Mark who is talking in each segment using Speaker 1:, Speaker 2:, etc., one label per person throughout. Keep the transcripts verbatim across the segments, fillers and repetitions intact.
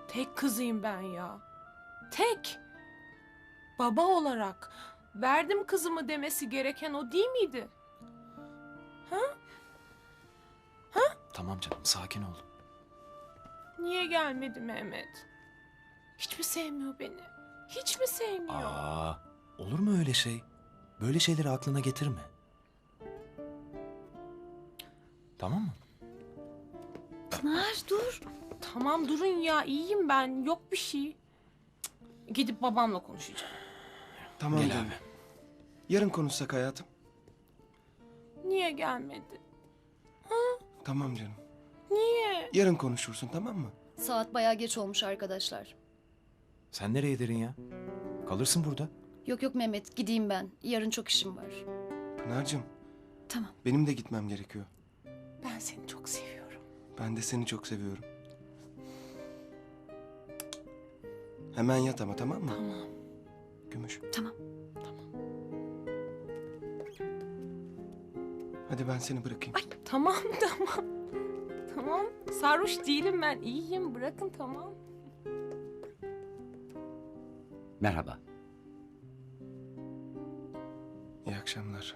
Speaker 1: Tek kızıyım ben ya. Tek. Baba olarak verdim kızımı demesi gereken o değil miydi?
Speaker 2: Tamam canım, sakin ol.
Speaker 1: Niye gelmedi Mehmet? Hiç mi sevmiyor beni? Hiç mi sevmiyor?
Speaker 2: Aa, olur mu öyle şey? Böyle şeyleri aklına getirme. Tamam mı?
Speaker 3: Pınar dur.
Speaker 1: Tamam durun ya, iyiyim ben, yok bir şey. Cık, gidip babamla konuşacağım.
Speaker 4: Tamam
Speaker 2: Gel
Speaker 4: canım.
Speaker 2: abi.
Speaker 4: Yarın konuşsak hayatım.
Speaker 1: Niye gelmedi?
Speaker 4: Tamam canım.
Speaker 1: Niye?
Speaker 4: Yarın konuşursun, tamam mı?
Speaker 3: Saat bayağı geç olmuş arkadaşlar.
Speaker 2: Sen nereye derin ya? Kalırsın burada.
Speaker 3: Yok yok Mehmet gideyim ben. Yarın çok işim var.
Speaker 4: Pınar'cığım,
Speaker 3: Tamam.
Speaker 4: benim de gitmem gerekiyor.
Speaker 1: Ben seni çok seviyorum.
Speaker 4: Ben de seni çok seviyorum. Hemen yat ama, tamam mı?
Speaker 1: Tamam.
Speaker 4: Gümüş.
Speaker 3: Tamam.
Speaker 4: Hadi ben seni bırakayım.
Speaker 1: Tamam tamam. Tamam. Sarhoş değilim ben, iyiyim. Bırakın tamam.
Speaker 5: Merhaba.
Speaker 4: İyi akşamlar.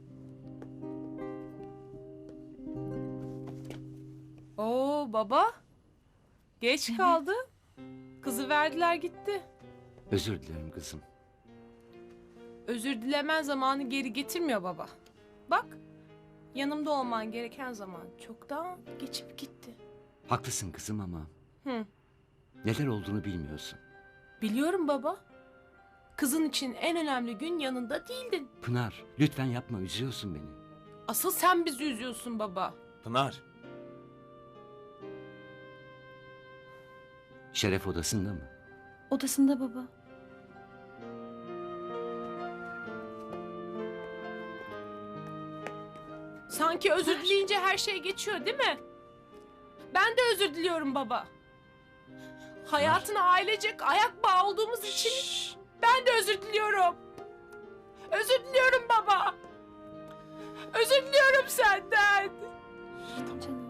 Speaker 1: Oo baba. Geç kaldı. Kızı verdiler gitti.
Speaker 5: Özür dilerim kızım.
Speaker 1: Özür dilemen zamanı geri getirmiyor baba. Bak, yanımda olman gereken zaman çoktan geçip gitti.
Speaker 5: Haklısın kızım ama
Speaker 1: Hı.
Speaker 5: neler olduğunu bilmiyorsun.
Speaker 1: Biliyorum baba. Kızın için en önemli gün yanında değildin.
Speaker 5: Pınar, lütfen yapma, üzüyorsun beni.
Speaker 1: Asıl sen bizi üzüyorsun baba.
Speaker 2: Pınar.
Speaker 5: Şeref odasında mı?
Speaker 3: Odasında baba.
Speaker 1: Sanki özür dileyince her şey geçiyor değil mi? Ben de özür diliyorum baba. Hayatına ailecek ayak bağı olduğumuz için ben de özür diliyorum. Özür diliyorum baba. Özür diliyorum senden.
Speaker 3: Canım.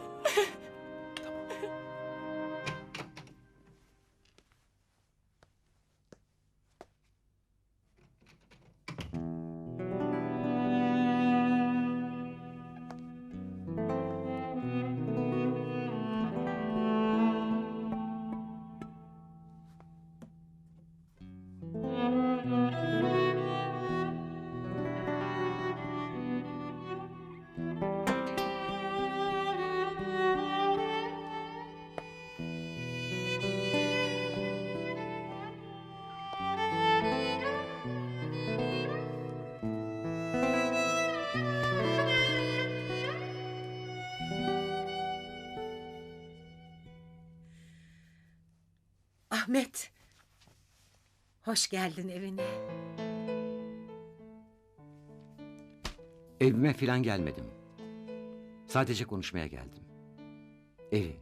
Speaker 6: Ahmet. Hoş geldin evine.
Speaker 5: Evime falan gelmedim. Sadece konuşmaya geldim. Evi.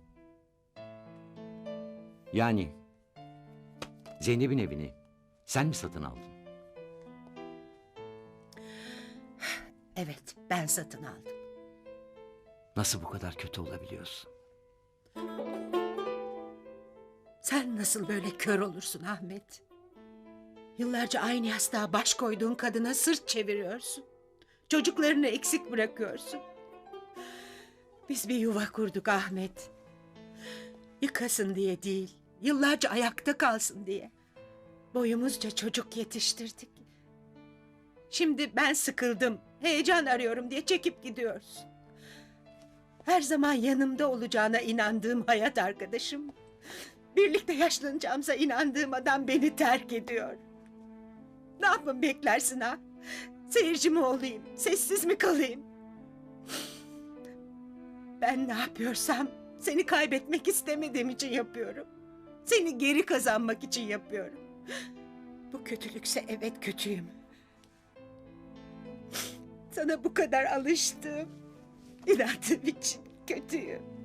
Speaker 5: Yani Zeynep'in evini sen mi satın aldın?
Speaker 6: Evet, ben satın aldım.
Speaker 5: Nasıl bu kadar kötü olabiliyorsun?
Speaker 6: Sen nasıl böyle kör olursun Ahmet? Yıllarca aynı yastığa baş koyduğun kadına sırt çeviriyorsun. Çocuklarını eksik bırakıyorsun. Biz bir yuva kurduk Ahmet. Yıkasın diye değil, yıllarca ayakta kalsın diye. Boyumuzca çocuk yetiştirdik. Şimdi ben sıkıldım, heyecan arıyorum diye çekip gidiyorsun. Her zaman yanımda olacağına inandığım hayat arkadaşım, birlikte yaşlanacağımıza inandığım adam beni terk ediyor. Ne yapın beklersin ha? Seyirci mi olayım, sessiz mi kalayım? Ben ne yapıyorsam seni kaybetmek istemediğim için yapıyorum. Seni geri kazanmak için yapıyorum. Bu kötülükse evet kötüyüm. Sana bu kadar alıştım. İnandığım için kötüyüm.